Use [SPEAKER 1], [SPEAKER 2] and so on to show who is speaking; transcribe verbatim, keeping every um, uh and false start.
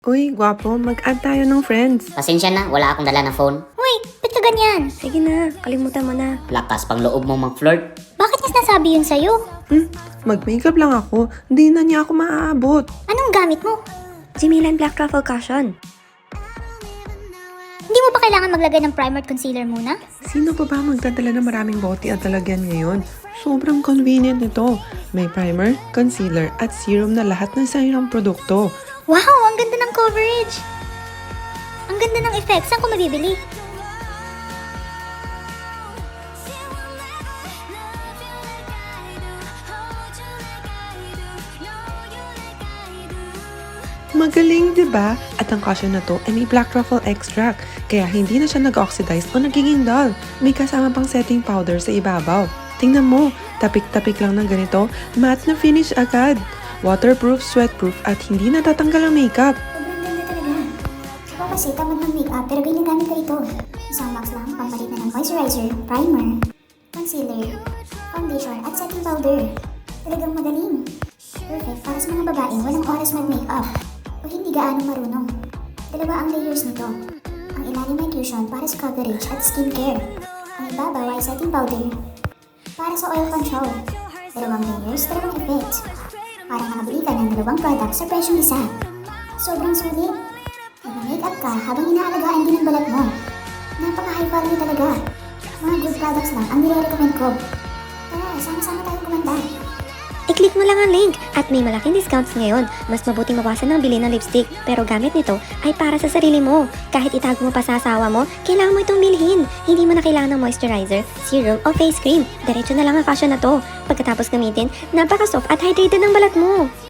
[SPEAKER 1] Uy, gwapo, mag-add tayo ng friends.
[SPEAKER 2] Pasensya na, wala akong dala na phone.
[SPEAKER 3] Uy, ba't ka ganyan?
[SPEAKER 4] Sige na, kalimutan mo na.
[SPEAKER 2] Lakas pang loob mo mag-flirt.
[SPEAKER 3] Bakit niya sinasabi yun sa'yo?
[SPEAKER 1] Hmm, mag-makeup lang ako. Hindi na niya ako maaabot.
[SPEAKER 3] Anong gamit mo?
[SPEAKER 4] Jimilan Black Truffle Cushion.
[SPEAKER 3] Hindi mo ba kailangan maglagay ng primer at concealer muna?
[SPEAKER 1] Sino pa ba magdadala ng maraming bote at lalagyan ngayon? Sobrang convenient nito. May primer, concealer, at serum na lahat ng isang produkto.
[SPEAKER 3] Wow, ang ganda ng coverage! Ang ganda ng effects. Saan ko mabibili?
[SPEAKER 1] Magaling, di ba? At ang cushion na to ay may black truffle extract, kaya hindi na siya nag-oxidize o nagiging dull. May kasama pang setting powder sa ibabaw. Tingnan mo, tapik-tapik lang ng ganito, matte na finish agad. Waterproof, sweatproof, at hindi natatanggal ang makeup.
[SPEAKER 3] Sobrang ganda talaga. Ako kasi tamad ng makeup pero ginagamit ko ito. Isang box lang, pampalit na ng moisturizer, primer, concealer, foundation, at setting powder. Talagang magaling. Perfect para sa mga babaeng walang oras mag-makeup o hindi gaano marunong. Dalawa ang layers nito. Ang ilalim ay cushion para sa coverage at skincare. Ang ibabaw ay setting powder para sa oil control. Dalawang layers, dalawang effects. Para makabili ka ng dalawang products sa presyong isa. Sobrang sulit. Nag-makeup ka habang inaalagaan din ang balat mo. Napaka-high quality talaga. Mga good products lang ang nire-recommend ko. Tara, sama-sama tayong kumanda.
[SPEAKER 4] I-click mo lang ang link at may malaking discounts ngayon. Mas mabuting mawasan ng bili ng lipstick pero gamit nito ay para sa sarili mo. Kahit itago mo pa sa asawa mo, kailangan mo itong bilhin. Hindi mo na kailangan ng moisturizer, serum o face cream. Diretso na lang ang cushion na to. Pagkatapos gamitin, napaka-soft at hydrated ng balat mo.